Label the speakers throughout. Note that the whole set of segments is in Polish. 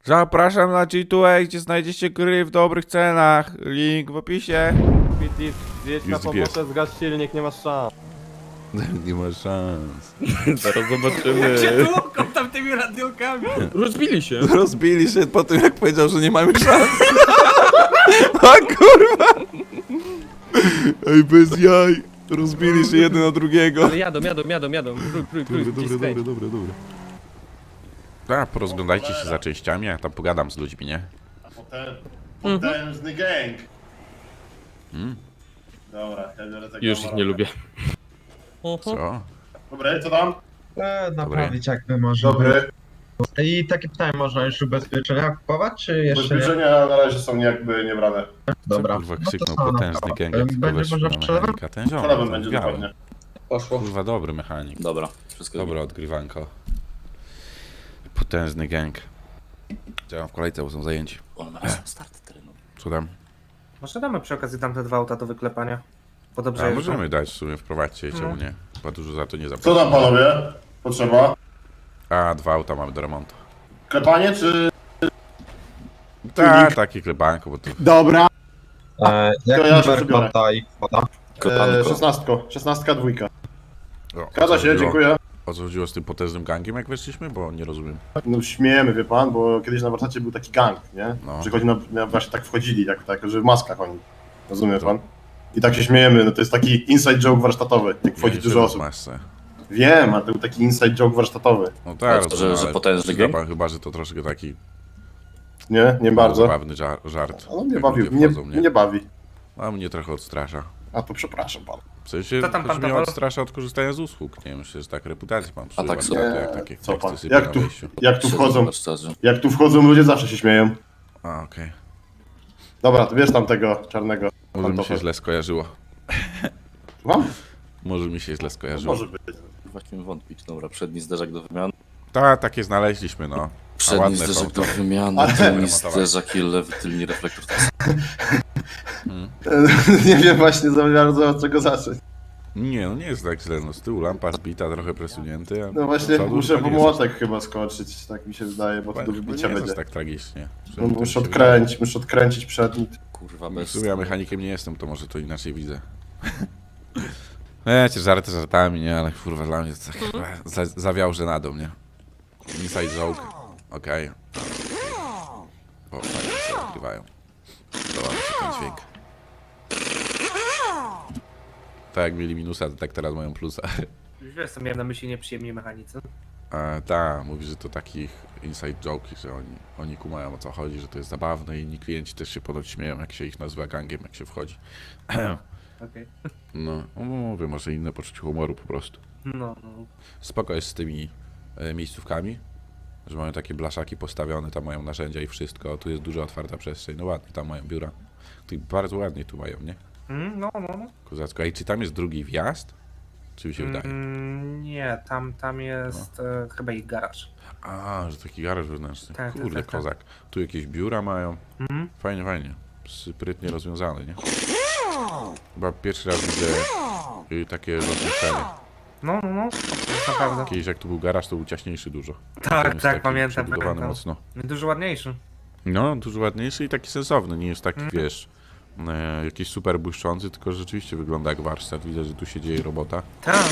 Speaker 1: Zapraszam na G2A, gdzie znajdziecie gry w dobrych cenach. Link w opisie.
Speaker 2: Piti, zjedź na
Speaker 1: Jest GPS.
Speaker 2: pomocę, zgasz silnik, nie masz szans.
Speaker 1: Nie ma szans.
Speaker 2: Zaraz zobaczymy.
Speaker 3: Cię tłuką tam tymi radiolkami.
Speaker 2: Rozbili się.
Speaker 1: Rozbili się po tym, jak powiedział, że nie mamy szans. A kurwa! Ej, bez jaj. Rozbili się jeden na drugiego.
Speaker 2: Ale jadą. Krój,
Speaker 1: Dobre. Tak, porozglądajcie się za częściami, ja tam pogadam z ludźmi, nie?
Speaker 4: Potężny gang. Dobra, ja biorę tego.
Speaker 2: Już ich nie lubię.
Speaker 1: Co?
Speaker 4: Dobry, co tam?
Speaker 5: Naprawić jakby można.
Speaker 4: Dobry.
Speaker 5: I takie pytanie, można już ubezpieczenia kupować, czy jeszcze nie?
Speaker 4: Ubezpieczenia na razie są jakby niebrane.
Speaker 5: Dobra.
Speaker 1: Kurwa,
Speaker 5: No to
Speaker 1: krzyknął
Speaker 5: co,
Speaker 1: potężny
Speaker 5: no,
Speaker 1: gang, jak tylko
Speaker 5: będzie
Speaker 1: weszł
Speaker 5: można
Speaker 1: na
Speaker 5: sprzedać?
Speaker 1: mechanika. Ten ziom,
Speaker 4: Przelewem
Speaker 1: ten
Speaker 4: będzie
Speaker 1: biały.
Speaker 4: dokładnie.
Speaker 2: Poszło.
Speaker 1: Kurwa, dobry mechanik.
Speaker 3: Dobra, wszystko
Speaker 1: Dobre odgrywanko. Potężny gang. Działam w kolejce, bo są zajęci.
Speaker 3: O, na razie start terenu.
Speaker 1: Co tam?
Speaker 6: Może damy przy okazji tamte dwa auta do wyklepania. Bo dobrze
Speaker 1: A
Speaker 6: jeżdżą.
Speaker 1: możemy dać w sumie, wprowadźcie, czemu nie? Chyba dużo za to nie
Speaker 4: Co
Speaker 1: zapłacimy.
Speaker 4: tam panowie? Potrzeba?
Speaker 1: A, 2 auta mamy do remontu.
Speaker 4: Klepanie czy...
Speaker 1: Tak, takie klebanko, bo to...
Speaker 4: Dobra.
Speaker 5: Jak
Speaker 4: To ja się
Speaker 5: numer
Speaker 4: przebiorę.
Speaker 5: konta i kwota?
Speaker 3: Klepanko.
Speaker 4: 16, dwójka.
Speaker 1: O,
Speaker 4: Zgadza się, dziękuję.
Speaker 1: O co chodziło z tym potężnym gangiem, jak weszliśmy? Bo nie rozumiem.
Speaker 4: No śmiejemy, wie pan, bo kiedyś na warsztacie był taki gang, nie?
Speaker 1: No.
Speaker 4: Przychodzi właśnie tak wchodzili, tak, że w maskach oni. Rozumie pan? I tak się śmiejemy, no to jest taki inside joke warsztatowy, jak wchodzi dużo osób.
Speaker 1: Masę.
Speaker 4: Wiem, ale to był taki inside joke warsztatowy.
Speaker 1: No tak,
Speaker 3: A to,
Speaker 1: rozumiem,
Speaker 3: że
Speaker 1: ale
Speaker 3: potężny
Speaker 1: przyzna
Speaker 3: gang?
Speaker 1: pan chyba, że to troszkę taki
Speaker 4: Nie bardzo.
Speaker 1: zabawny żart.
Speaker 4: No mnie
Speaker 1: jak
Speaker 4: bawi,
Speaker 1: ludzie wchodzą,
Speaker 4: mnie bawi.
Speaker 1: A mnie trochę odstrasza.
Speaker 4: A to przepraszam pan.
Speaker 1: W sensie,
Speaker 6: Co tam pan
Speaker 1: mnie
Speaker 6: Paweł?
Speaker 1: odstrasza od korzystania z usług. Nie wiem, myślę, że tak reputację mam psuła.
Speaker 3: tak
Speaker 1: to
Speaker 3: sobie.
Speaker 1: jak takie
Speaker 4: Co pan?
Speaker 1: teksty sypią
Speaker 4: Jak
Speaker 1: na
Speaker 4: tu,
Speaker 1: wejściu.
Speaker 4: jak tu wchodzą,
Speaker 3: Szczerze.
Speaker 4: jak tu wchodzą ludzie zawsze się śmieją.
Speaker 1: A, okej.
Speaker 4: Dobra, to bierz tam tego czarnego.
Speaker 1: Może mi się
Speaker 4: pantofla.
Speaker 1: źle skojarzyło.
Speaker 4: Słucham?
Speaker 1: Może mi się źle skojarzyło.
Speaker 4: Może być.
Speaker 3: Właśnie wątpić. Dobra, przedni zderzak do wymiany.
Speaker 1: Tak, takie znaleźliśmy, no. A
Speaker 3: Przedni
Speaker 1: ładne są
Speaker 3: zderzak
Speaker 1: to.
Speaker 3: do wymiany,
Speaker 4: Ale-
Speaker 3: tylni zderzak i lewy tylni reflektor.
Speaker 4: Nie wiem właśnie za bardzo od czego zacząć.
Speaker 1: Nie, no nie jest tak źle. No z tyłu lampa zbita, trochę presunięty. A
Speaker 4: No właśnie
Speaker 1: do przodu
Speaker 4: muszę
Speaker 1: to
Speaker 4: po
Speaker 1: nie jest
Speaker 4: młotek chyba skoczyć, tak mi się wydaje, bo to do
Speaker 1: aż-
Speaker 4: wybicia
Speaker 1: nie jest
Speaker 4: będzie.
Speaker 1: aż tak tragicznie.
Speaker 4: No, muszę odkręcić przedni.
Speaker 3: Kurwa,
Speaker 1: W
Speaker 3: bez...
Speaker 1: sumie ja mechanikiem nie jestem, to może to inaczej widzę. Wiecie, żarty żartami, nie? Ale kurwa dla mnie to tak zawiał żenadą, nie? Inside joke. Okej. O, fajnie się odgrywają. Podoba mi się ten dźwięk. Tak jak mieli minusa, to tak teraz mają plusa.
Speaker 6: Już wiesz, co miałem na myśli nieprzyjemni mechanicy.
Speaker 1: Tak, mówi, że to takich inside joke, że oni kumają o co chodzi, że to jest zabawne i inni klienci też się ponoć śmieją, jak się ich nazywa gangiem, jak się wchodzi.
Speaker 6: Okej.
Speaker 1: No, mówię, może inne poczucie humoru po prostu.
Speaker 6: No.
Speaker 1: Spoko jest z tymi miejscówkami, że mają takie blaszaki postawione, tam mają narzędzia i wszystko, tu jest duża otwarta przestrzeń, no ładnie, tam mają biura. Tu bardzo ładnie tu mają, nie?
Speaker 6: No.
Speaker 1: Kozacko. A i czy tam jest drugi wjazd? Czy mi się wydaje?
Speaker 6: Nie, tam jest chyba ich garaż.
Speaker 1: A, że taki garaż wewnętrzny.
Speaker 6: Tak,
Speaker 1: Kurde,
Speaker 6: tak.
Speaker 1: kozak. Tu jakieś biura mają. Fajnie. Sprytnie rozwiązane, nie? Chyba pierwszy raz widzę takie rozmieszczenie.
Speaker 6: No. To jest naprawdę.
Speaker 1: Kiedyś jak tu był garaż, to był ciaśniejszy dużo.
Speaker 6: Tak,
Speaker 1: Ten jest
Speaker 6: tak,
Speaker 1: taki
Speaker 6: pamiętam.
Speaker 1: przebudowany mocno.
Speaker 6: Dużo ładniejszy.
Speaker 1: No, dużo ładniejszy i taki sensowny. Nie jest taki, wiesz, jakiś super błyszczący, tylko rzeczywiście wygląda jak warsztat. Widać, że tu się dzieje robota.
Speaker 6: Tak.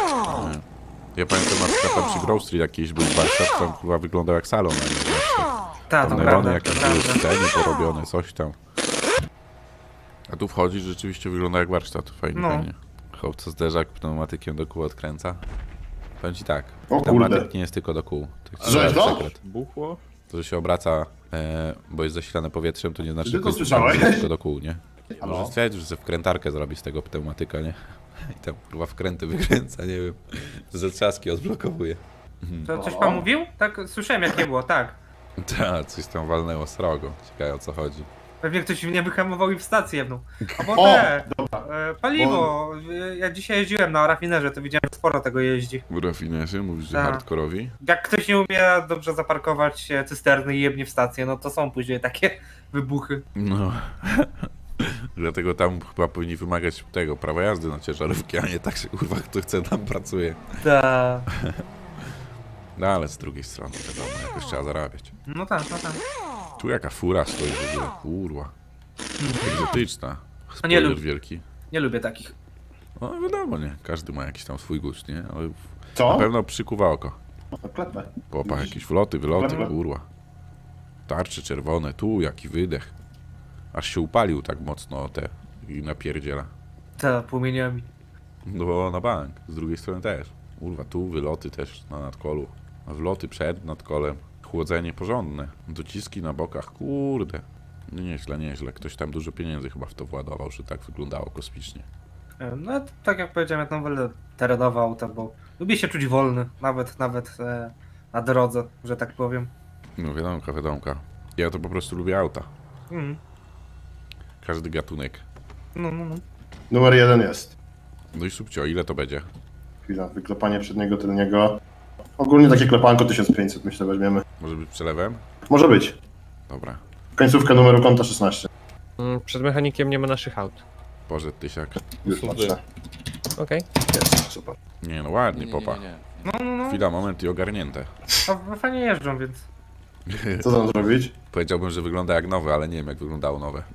Speaker 1: Ja pamiętam na przykład tam przy Grove Street jakiś był warsztat, tam chyba wyglądał jak salon, a nie warsztat.
Speaker 6: Tak, to
Speaker 1: Tam
Speaker 6: prawda,
Speaker 1: neony jakieś
Speaker 6: to
Speaker 1: były,
Speaker 6: prawda.
Speaker 1: sceny porobione, coś tam. A tu wchodzisz, rzeczywiście wygląda jak warsztat. Fajnie,
Speaker 6: No.
Speaker 1: fajnie. Chłopca zderzak pneumatykiem do kół odkręca. Powiem ci tak,
Speaker 4: O
Speaker 1: pneumatyk
Speaker 4: kurde.
Speaker 1: nie jest tylko do kół. To
Speaker 4: Że
Speaker 1: jest
Speaker 4: to?
Speaker 1: sekret.
Speaker 2: Buchło?
Speaker 1: To, że się obraca, bo jest zasilane powietrzem, to nie znaczy,
Speaker 4: Ty
Speaker 1: że
Speaker 4: to
Speaker 1: jest
Speaker 4: słyszałeś?
Speaker 1: tylko do kół, nie?
Speaker 4: Halo?
Speaker 1: Może stwierdzić, że sobie wkrętarkę zrobi z tego pneumatyka, nie? I tam kurwa wkręty wykręca, nie wiem. Ze trzaski odblokowuje.
Speaker 6: To coś pan mówił? Tak, słyszałem jak nie było, tak.
Speaker 1: Tak, coś tam walnęło srogo. Ciekawe o co chodzi.
Speaker 6: Pewnie ktoś mnie wyhamował i w stację jedną. Albo
Speaker 4: O,
Speaker 6: te, paliwo. Ja dzisiaj jeździłem na rafinerze, to widziałem, że sporo tego jeździ.
Speaker 1: Rafinerzy, mówisz, że
Speaker 6: Tak.
Speaker 1: hardkorowi?
Speaker 6: Jak ktoś nie umie dobrze zaparkować cysterny i jebnie w stację, no to są później takie wybuchy.
Speaker 1: No. Dlatego tam chyba powinni wymagać tego prawa jazdy na ciężarówki, a nie tak, że kurwa kto chce tam pracuje.
Speaker 6: Ta.
Speaker 1: No ale z drugiej strony, wiadomo, jakoś trzeba zarabiać.
Speaker 6: No tak, no tak.
Speaker 1: Tu jaka fura stoi w ogóle, kurwa. Egzotyczna.
Speaker 6: A nie
Speaker 1: Spoiler
Speaker 6: lub-
Speaker 1: wielki.
Speaker 6: Nie lubię takich.
Speaker 1: No wiadomo, nie? Każdy ma jakiś tam swój gust, nie? Ale na
Speaker 4: Co?
Speaker 1: pewno przykuwa oko.
Speaker 4: No klepę.
Speaker 1: Popa, jakieś wloty, wyloty,
Speaker 4: Dobra.
Speaker 1: kurwa. Tarcze czerwone, tu jaki wydech. Aż się upalił tak mocno te i napierdziela.
Speaker 6: Te płomieniami.
Speaker 1: No na bank, z drugiej strony też. Kurwa, tu wyloty też na nadkolu. A wloty przed nadkolem. Chłodzenie porządne. Dociski na bokach, kurde. No nieźle, nieźle. Ktoś tam dużo pieniędzy chyba w to władował, że tak wyglądało kosmicznie.
Speaker 6: No tak jak powiedziałem, ja tam wolę terenowe auta, bo lubię się czuć wolny. Nawet na drodze, że tak powiem.
Speaker 1: No wiadomka, wiadomka. Ja to po prostu lubię auta.
Speaker 6: Mm.
Speaker 1: Każdy gatunek.
Speaker 6: No.
Speaker 4: Numer 1 jest.
Speaker 1: No i subcio, ile to będzie?
Speaker 4: Chwila, wyklepanie przedniego, tylniego. Ogólnie takie klepanko 1500 myślę weźmiemy.
Speaker 1: Może być przelewem?
Speaker 4: Może być.
Speaker 1: Dobra.
Speaker 4: Końcówka numeru konta 16.
Speaker 2: Przed mechanikiem nie ma naszych aut.
Speaker 1: Poszedł tysiak.
Speaker 4: Już patrzę.
Speaker 2: Okej.
Speaker 4: Jest, super.
Speaker 1: Nie no ładnie, popa.
Speaker 6: No.
Speaker 1: Chwila, moment i ogarnięte.
Speaker 6: A fajnie jeżdżą, więc.
Speaker 4: Co tam zrobić?
Speaker 1: Powiedziałbym, że wygląda jak nowe, ale nie wiem jak wyglądało nowe.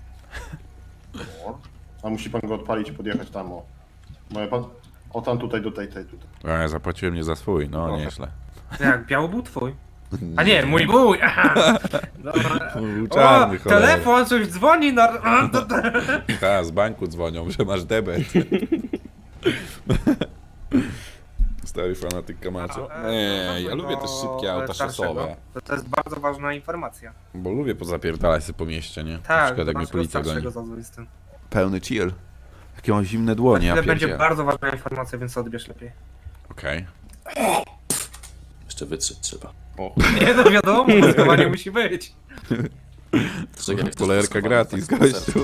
Speaker 4: A musi pan go odpalić i podjechać tam, o. Moje pan... O tam tutaj, do tej, tutaj.
Speaker 1: A ja zapłaciłem nie za swój, no nieźle.
Speaker 6: Jak, biały był twój? A nie, mój był! Aha. Dobra.
Speaker 1: Był czarny,
Speaker 6: O,
Speaker 1: cholera.
Speaker 6: telefon, coś dzwoni na...
Speaker 1: Ta, z banku dzwonią, że masz debet. Stary fanatyk Kamacho. Nie, ja lubię też szybkie auta szosowe.
Speaker 6: To jest bardzo ważna informacja.
Speaker 1: Bo lubię pozapierdalać się po mieście, nie? Na
Speaker 6: Tak,
Speaker 1: przykład jak mnie policja goni.
Speaker 6: zazwyczaj z tym.
Speaker 1: Pełny chill. Jakie mam zimne dłonie, ja
Speaker 6: Ale będzie
Speaker 1: pierdzielę.
Speaker 6: bardzo ważna informacja, więc odbierz lepiej.
Speaker 1: Okej.
Speaker 3: Jeszcze wytrzeć trzeba.
Speaker 6: Nie, no wiadomo, maskowanie musi być.
Speaker 3: Czekaj, jak to
Speaker 1: Polerka
Speaker 3: jest
Speaker 1: gratis,
Speaker 3: tak
Speaker 1: gościu.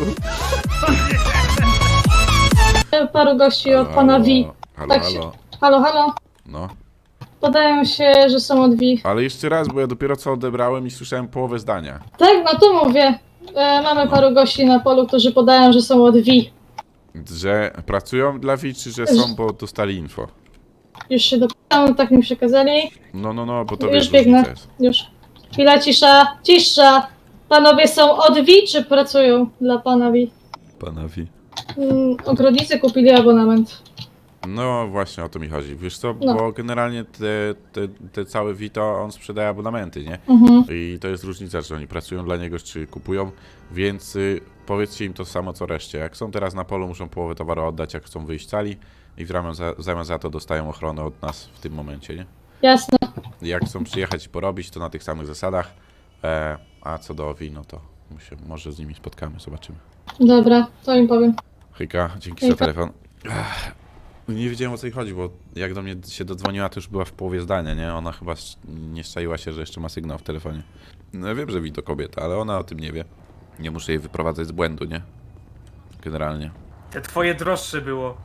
Speaker 7: Paru gości od pana V.
Speaker 1: Halo,
Speaker 7: Tak się-
Speaker 1: halo.
Speaker 7: Halo, halo.
Speaker 1: No.
Speaker 7: Podają się, że są od V.
Speaker 1: Ale jeszcze raz, bo ja dopiero co odebrałem i słyszałem połowę zdania.
Speaker 7: Tak, no to mówię. Mamy paru gości na polu, którzy podają, że są od V.
Speaker 1: Że pracują dla Wi, czy że są, bo dostali info?
Speaker 7: Już się dopytałem, tak mi przekazali.
Speaker 1: No, bo to
Speaker 7: Już
Speaker 1: wiesz,
Speaker 7: biegnę.
Speaker 1: różnica jest.
Speaker 7: Już. Chwila, cisza, cisza. Panowie są od V, czy pracują dla pana V?
Speaker 1: Pana Wi.
Speaker 7: Ogrodnicy kupili abonament.
Speaker 1: No właśnie o to mi chodzi. Wiesz co,
Speaker 7: No.
Speaker 1: bo generalnie te całe Vito on sprzedaje abonamenty, nie?
Speaker 7: Mhm.
Speaker 1: I to jest różnica, czy oni pracują dla niego, czy kupują, więc powiedzcie im to samo co reszcie. Jak są teraz na polu, muszą połowę towaru oddać, jak chcą wyjść cali i w zamian za to dostają ochronę od nas w tym momencie, nie?
Speaker 7: Jasne.
Speaker 1: Jak chcą przyjechać i porobić, to na tych samych zasadach, a co do Wi, no to może z nimi spotkamy, zobaczymy.
Speaker 7: Dobra, to im powiem.
Speaker 1: Hejka, dzięki za
Speaker 7: Hejka.
Speaker 1: telefon. Nie wiedziałem o co jej chodzi, bo jak do mnie się dodzwoniła, to już była w połowie zdania, nie? Ona chyba nie szczaiła się, że jeszcze ma sygnał w telefonie. No ja wiem, że Wi to kobieta, ale ona o tym nie wie. Nie muszę jej wyprowadzać z błędu, nie? Generalnie.
Speaker 6: Te twoje droższe było.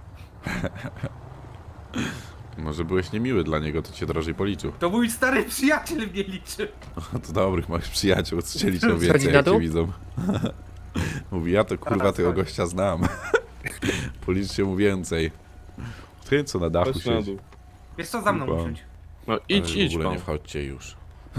Speaker 1: Może byłeś niemiły dla niego, to cię drożej policzył.
Speaker 6: To mój stary przyjaciel mnie liczy.
Speaker 1: To dobrych moich przyjaciół, co cię liczą
Speaker 2: Schodzi
Speaker 1: więcej,
Speaker 2: na
Speaker 1: jak cię
Speaker 2: dół?
Speaker 1: widzą. Mówi, ja to kurwa
Speaker 6: Teraz
Speaker 1: tego
Speaker 6: chodzi.
Speaker 1: gościa znam. Policzcie mu więcej. Ty co na dachu
Speaker 2: Chodź na
Speaker 1: siedzi.
Speaker 2: dół.
Speaker 6: Wiesz co, za mną
Speaker 1: Kurwa.
Speaker 6: usiądź.
Speaker 2: No
Speaker 1: Ale
Speaker 2: idź,
Speaker 1: w
Speaker 2: idź
Speaker 1: ogóle
Speaker 2: pan.
Speaker 1: nie wchodźcie już.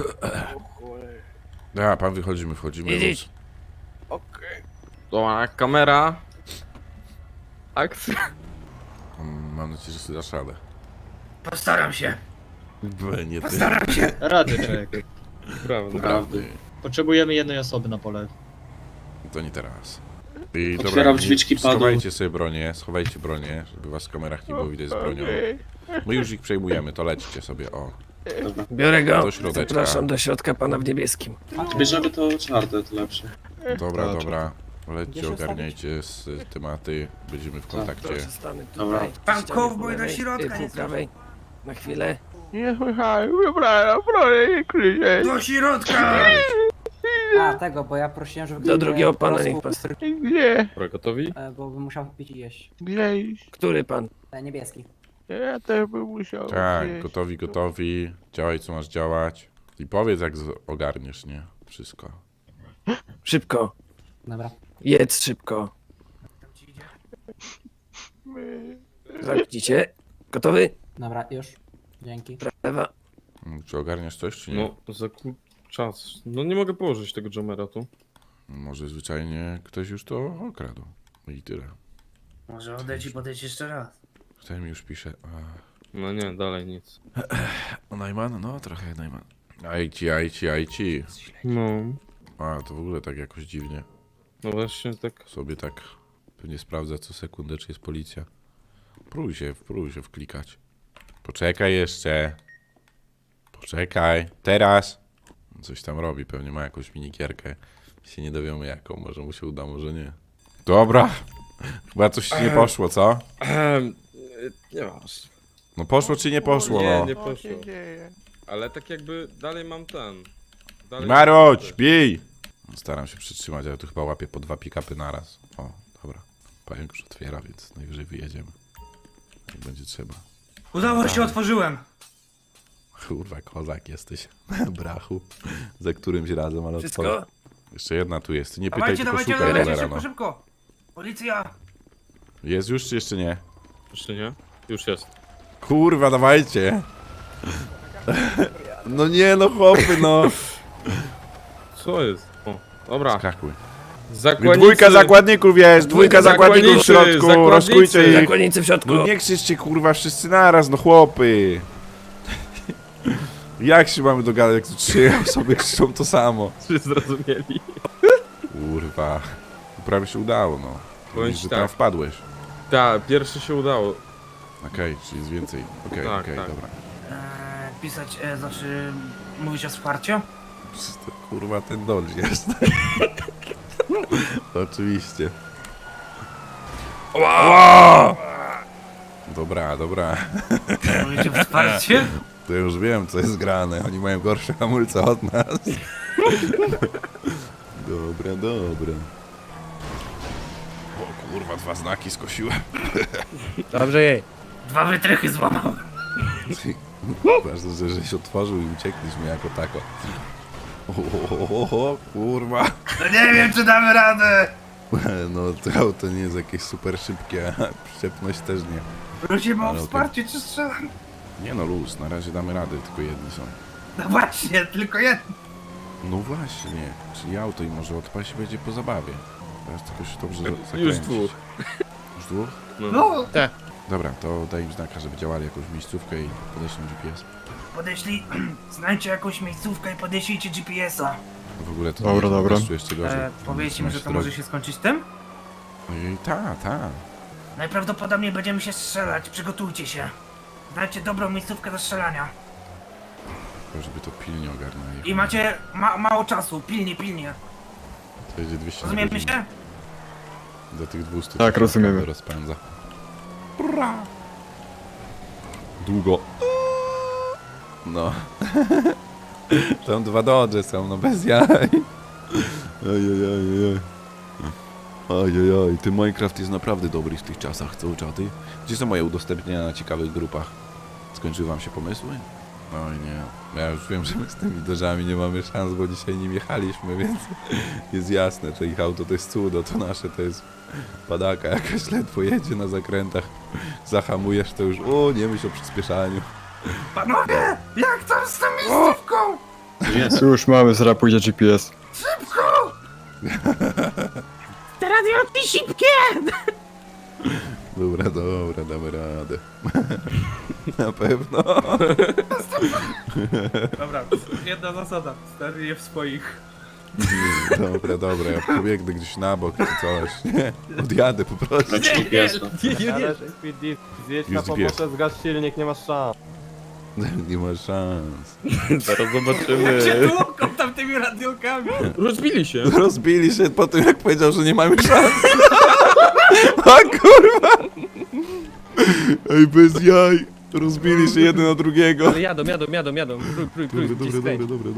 Speaker 1: A, pan wychodzimy, wchodzimy.
Speaker 2: Idź. Dobra, kamera. Akcja.
Speaker 1: Mam nadzieję, że sobie dasz radę.
Speaker 6: Postaram się.
Speaker 1: Nie ty.
Speaker 6: Postaram się.
Speaker 8: Radyczek.
Speaker 2: Prawda.
Speaker 1: Prawdy.
Speaker 8: Potrzebujemy jednej osoby na pole.
Speaker 1: To nie teraz. I
Speaker 3: Otwieram
Speaker 1: nie-
Speaker 3: drzwiczki, padł.
Speaker 1: schowajcie sobie bronię, schowajcie bronię, żeby was w kamerach nie było widać z bronią. My już ich przejmujemy, to lećcie sobie, o.
Speaker 9: Biorę go.
Speaker 1: Do środeczka.
Speaker 9: Zapraszam do środka pana w niebieskim.
Speaker 3: Bierzemy to czwarte, to lepsze.
Speaker 1: Dobra, dobra. Lećcie, ogarniajcie z tematy, będziemy w kontakcie.
Speaker 9: Proszę stanę
Speaker 3: Dobra.
Speaker 9: tutaj.
Speaker 6: Pan
Speaker 9: ścianie
Speaker 6: cowboy
Speaker 9: po
Speaker 6: do
Speaker 9: lewej,
Speaker 6: środka
Speaker 9: ty po
Speaker 6: jest.
Speaker 9: prawej. Na chwilę.
Speaker 10: Nie słyszałem, wybrałem, proszę nie krzyczeć.
Speaker 6: Do środka!
Speaker 11: A, tego, bo ja prosiłem, żeby...
Speaker 9: Do drugiego pana
Speaker 11: porosł,
Speaker 9: niech pan.
Speaker 10: Gdzie?
Speaker 2: Dobra, gotowi?
Speaker 11: Bo bym musiał pić i jeść.
Speaker 10: Gdzie iść?
Speaker 9: Który pan?
Speaker 11: Niebieski.
Speaker 10: Ja też bym musiał
Speaker 1: Tak,
Speaker 10: gdzieś.
Speaker 1: gotowi, działaj co masz działać. I powiedz jak ogarniesz, nie? Wszystko.
Speaker 9: Szybko.
Speaker 11: Dobra.
Speaker 9: Jedz szybko. Zamknijcie. Gotowy?
Speaker 11: Dobra, już. Dzięki.
Speaker 9: Prawa.
Speaker 1: Czy ogarniasz coś, czy nie?
Speaker 2: No, czas. No nie mogę położyć tego Jomera tu.
Speaker 1: Może zwyczajnie ktoś już to okradł. I tyle.
Speaker 6: Może odejdź i podejdź jeszcze raz.
Speaker 1: Ten mi już pisze.
Speaker 2: No nie, dalej nic.
Speaker 1: Najman? No, trochę Najman. IT.
Speaker 2: No,
Speaker 1: A, to w ogóle tak jakoś dziwnie.
Speaker 2: no właśnie tak.
Speaker 1: Sobie tak pewnie sprawdza co sekundę, czy jest policja. Próbuj się wklikać. Poczekaj jeszcze. Poczekaj. Teraz. Coś tam robi, pewnie ma jakąś minigierkę. Się nie dowiemy jaką, może mu się uda, może nie. Dobra. Chyba coś ci nie poszło, co?
Speaker 2: Nie masz.
Speaker 1: No poszło czy nie poszło,
Speaker 2: Nie,
Speaker 1: no?
Speaker 2: nie poszło. Ale tak jakby dalej mam ten. Dalej
Speaker 1: Marodź, bij! Staram się przytrzymać, ale tu chyba łapię po 2 pick-upy naraz. O, dobra. Pająk już otwiera, więc najwyżej wyjedziemy. Jak będzie trzeba.
Speaker 6: Udało się, otworzyłem.
Speaker 1: Kurwa, kozak jesteś. Brachu. Za którymś razem, ale
Speaker 9: Wszystko?
Speaker 1: otworzę. Jeszcze jedna tu jest. Nie pytaj,
Speaker 6: Dawajcie,
Speaker 1: tylko
Speaker 6: dawajcie,
Speaker 1: szukaj,
Speaker 6: dawajcie,
Speaker 1: cholera,
Speaker 6: szybko,
Speaker 1: no.
Speaker 6: szybko. Policja.
Speaker 1: Jest już, czy jeszcze nie?
Speaker 2: Jeszcze nie? Już jest.
Speaker 1: Kurwa, dawajcie. No nie, no chłopy, no.
Speaker 2: Co jest? O, dobra.
Speaker 1: Skakuj.
Speaker 2: Zakładnicy.
Speaker 1: Dwójka zakładników jest, dwójka zakładników w
Speaker 2: zakładnicy,
Speaker 1: środku,
Speaker 2: zakładnicy.
Speaker 1: rozkujcie ich.
Speaker 9: Zakładnicy w środku.
Speaker 1: No nie krzyczcie kurwa wszyscy naraz, no chłopy. Jak się mamy dogadać, jak tu 3 osoby krzyczą to samo?
Speaker 2: Czy zrozumieli?
Speaker 1: Kurwa. Prawie się udało, no.
Speaker 2: Powiem
Speaker 1: Widzisz,
Speaker 2: ci
Speaker 1: że
Speaker 2: tak.
Speaker 1: tam wpadłeś.
Speaker 2: Tak, pierwszy się udało.
Speaker 1: Okej, czyli jest więcej. Okej,
Speaker 2: Tak,
Speaker 1: okej,
Speaker 2: tak.
Speaker 1: dobra.
Speaker 6: Pisać, znaczy mówić o wsparciu?
Speaker 1: To, kurwa ten dodge jest. Oczywiście. Ła! Dobra, dobra.
Speaker 6: Mówić o wsparciu?
Speaker 1: To już wiem, co jest grane. Oni mają gorsze hamulce od nas. Dobra, dobra. O kurwa, 2 znaki skosiłem.
Speaker 9: Dobrze jej.
Speaker 6: 2 wytrychy złamał.
Speaker 1: Ważne, że się otworzył i uciekliśmy jako tako. O, kurwa.
Speaker 6: No nie wiem, czy damy radę.
Speaker 1: No to auto nie jest jakieś super szybkie, a przyczepność też nie.
Speaker 6: Prosimy o
Speaker 1: Ale okej.
Speaker 6: wsparcie, czy strzelam?
Speaker 1: Nie no, luz, na razie damy radę, tylko jedni są.
Speaker 6: No właśnie, tylko jedno.
Speaker 1: No właśnie, czyli auto i może odpaść i będzie po zabawie. Teraz tylko się dobrze zakręcić.
Speaker 2: Już 2.
Speaker 1: Już 2?
Speaker 6: No,
Speaker 1: Dobra, to daj im znaka, żeby działali jakąś miejscówkę i podeślą GPS.
Speaker 6: podeślij, znajdźcie jakąś miejscówkę i podeślijcie GPS-a.
Speaker 1: No w ogóle to
Speaker 5: Dobra,
Speaker 1: nie,
Speaker 5: dobra.
Speaker 1: po prostu jeszcze gorzej.
Speaker 6: Powiedzcie mi, że to
Speaker 1: Drogi.
Speaker 6: może się skończyć tym?
Speaker 1: Ojej, ta.
Speaker 6: Najprawdopodobniej będziemy się strzelać, przygotujcie się. Znajdźcie dobrą miejscówkę do strzelania.
Speaker 1: Tylko żeby to pilnie ogarnęli.
Speaker 6: I macie mało czasu, pilnie.
Speaker 1: To jedzie 200 na
Speaker 6: Rozumiemy
Speaker 1: godzinę.
Speaker 6: się?
Speaker 1: Do tych 200
Speaker 5: Tak,
Speaker 1: to
Speaker 5: rozumiemy.
Speaker 1: rozpędza. Bra. Długo. No. Tam 2 dodże są, no bez jaj. Ojej, ty Minecraft jest naprawdę dobry w tych czasach, co czaty? Gdzie są moje udostępnienia na ciekawych grupach? Skończyły wam się pomysły? Oj nie, ja już wiem, że my z tymi dożami nie mamy szans, bo dzisiaj nim jechaliśmy, więc jest jasne, że ich auto to jest cudo, to nasze to jest padaka jakaś, ledwo jedzie na zakrętach, zahamujesz to już, o nie myśl o przyspieszaniu.
Speaker 6: Panowie, jak tam z tą miejscówką?
Speaker 3: Jest.
Speaker 5: Już mamy, zaraz pójdzie GPS.
Speaker 7: Te radiolotki szybkie!
Speaker 1: Dobra, damy radę. Na pewno.
Speaker 6: Dobra, jedna zasada, stary je w swoich.
Speaker 1: Dobra, ja pobiegnę gdzieś na bok czy coś, nie? Odjadę po prostu.
Speaker 3: Leci GPS.
Speaker 2: Zjedź
Speaker 1: na pomoce,
Speaker 2: zgasz silnik, nie masz szans.
Speaker 1: Nie ma szans.
Speaker 2: Zaraz
Speaker 6: Jak
Speaker 2: zobaczymy.
Speaker 6: się tłuką tam tymi radiolkami.
Speaker 2: Rozbili się.
Speaker 1: Rozbili się po tym, jak powiedział, że nie mamy szans. O kurwa! Ej, bez jaj. Rozbili się jeden od drugiego.
Speaker 2: Ale jadą. Prój,
Speaker 1: Dobra.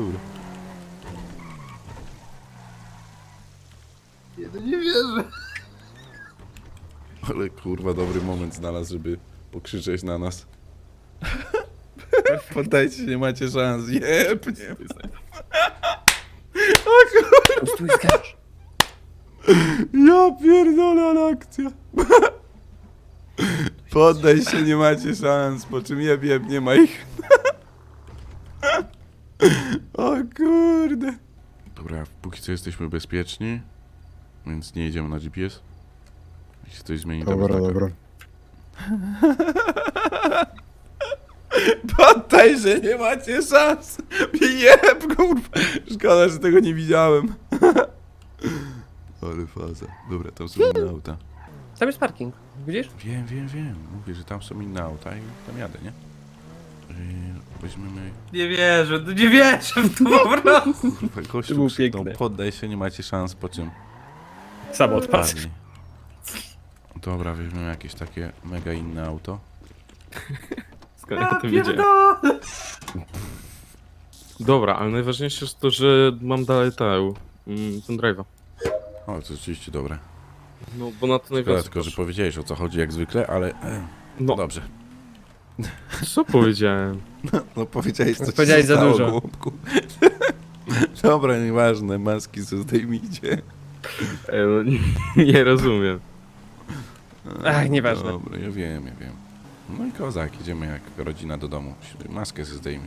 Speaker 6: Nie wierzę.
Speaker 1: Ale kurwa, dobry moment znalazł, żeby pokrzyczeć na nas. Poddajcie się, nie macie szans. Jeb, nie.
Speaker 9: Stój, skacz.
Speaker 1: Ja pierdolę, ale akcja. Poddaj się, nie macie szans, po czym jeb, nie ma ich. póki co jesteśmy bezpieczni, więc nie jedziemy na GPS. Jeśli się coś zmieni, to
Speaker 9: Dobra,
Speaker 1: bez
Speaker 9: dobra.
Speaker 1: Poddaj, że nie macie szans! Jeb, kurwa! Szkoda, że tego nie widziałem. Ale faza. Dobra, tam są inne auta.
Speaker 9: Tam jest parking, widzisz?
Speaker 1: Wiem. Mówię, że tam są inne auta i tam jadę, nie? Weźmiemy...
Speaker 6: Nie wierzę w to po prostu.
Speaker 1: Kurwa,
Speaker 9: To
Speaker 1: gościu
Speaker 9: było
Speaker 1: krzyknął,
Speaker 9: piękne.
Speaker 1: poddaj się, nie macie szans, po czym...
Speaker 9: Sam odpadł.
Speaker 1: padli. Dobra, weźmiemy jakieś takie mega inne auto.
Speaker 2: Skąd ja o tym
Speaker 6: Ja
Speaker 2: wiedziałem?
Speaker 6: pierdolę.
Speaker 2: Dobra, ale najważniejsze jest to, że mam dalej ten drive'a.
Speaker 1: O, to rzeczywiście dobre.
Speaker 2: No, bo na to
Speaker 1: Szkoda
Speaker 2: najwięcej
Speaker 1: tylko, że
Speaker 2: poszło.
Speaker 1: powiedziałeś o co chodzi jak zwykle, ale...
Speaker 2: No,
Speaker 1: Dobrze.
Speaker 2: co powiedziałem?
Speaker 1: No powiedziałeś co ci
Speaker 9: Powiedziałeś za
Speaker 1: zostało,
Speaker 9: dużo.
Speaker 1: głupku. Dobra, nieważne, maski co zdejmijcie.
Speaker 2: No, nie rozumiem.
Speaker 9: Ach, nieważne.
Speaker 1: Dobra, ja wiem. No i kozak, idziemy jak rodzina do domu. Maskę sobie zdejmij.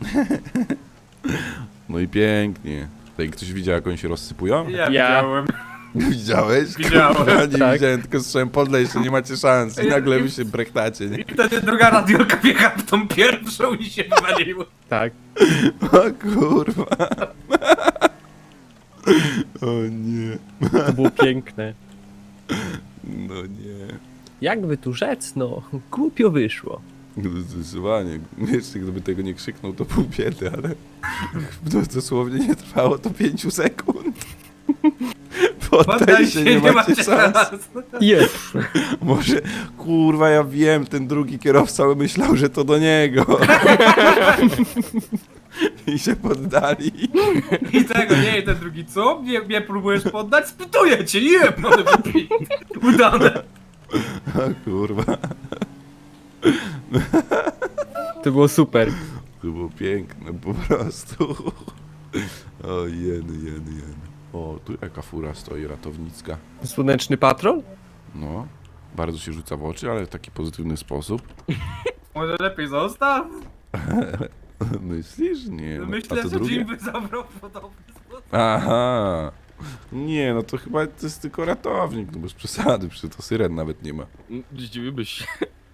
Speaker 1: No i pięknie. Tutaj ktoś widział jak oni się rozsypują?
Speaker 6: Ja
Speaker 9: Ja.
Speaker 6: widziałem.
Speaker 1: Widziałeś?
Speaker 6: Widziałem.
Speaker 1: Kurwa, nie
Speaker 9: Tak.
Speaker 1: widziałem, tylko słyszałem podlej, że nie macie szans i nagle wy się brechtacie, nie?
Speaker 6: I wtedy druga radiolka wjechała w tą pierwszą i się wywaliło.
Speaker 9: Tak.
Speaker 1: O kurwa. O nie.
Speaker 9: To było piękne.
Speaker 1: No nie.
Speaker 9: Jakby tu rzec, no, głupio wyszło.
Speaker 1: No zdecydowanie. Jeszcze gdyby tego nie krzyknął, to pół biedy, ale no, dosłownie nie trwało to 5 sekund. Poddaj się, nie macie szans.
Speaker 9: Jest.
Speaker 1: Może, kurwa, ja wiem, ten drugi kierowca myślał, że to do niego. I się poddali.
Speaker 6: I tego nie, i ten drugi, co? Mnie próbujesz poddać? Spytuję cię, nie, panie wypij. Udane.
Speaker 1: O kurwa.
Speaker 9: To było super.
Speaker 1: To było piękne, po prostu. O, jeny. O, tu jaka fura stoi ratownicka.
Speaker 9: Słoneczny patrol?
Speaker 1: No, bardzo się rzuca w oczy, ale w taki pozytywny sposób.
Speaker 6: Może lepiej zostaw?
Speaker 1: Myślisz? Nie, no, a
Speaker 6: Myślę,
Speaker 1: to
Speaker 6: że
Speaker 1: drugie?
Speaker 6: Jim by zabrał w podobny sposób.
Speaker 1: Aha. Nie, no to chyba to jest tylko ratownik, no bez przesady, przecież to syren nawet nie ma.
Speaker 2: Zdziwiłbyś się.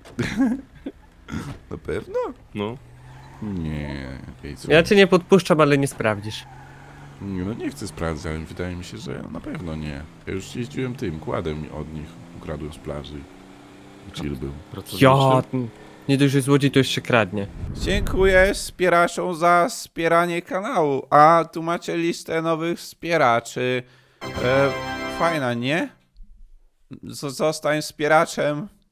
Speaker 1: Na pewno?
Speaker 2: No.
Speaker 1: Nie. Ej, co?
Speaker 9: Ja cię nie podpuszczam, ale nie sprawdzisz.
Speaker 1: Nie, no nie chcę sprawdzać, ale wydaje mi się, że na pewno nie. Ja już jeździłem tym kładem od nich, ukradłem z plaży. I chill był.
Speaker 9: Ja, nie dość, że złodziej, to jeszcze kradnie.
Speaker 1: Dziękuję wspieraczom za wspieranie kanału. A tu macie listę nowych wspieraczy. Fajna, nie? Zostań wspieraczem.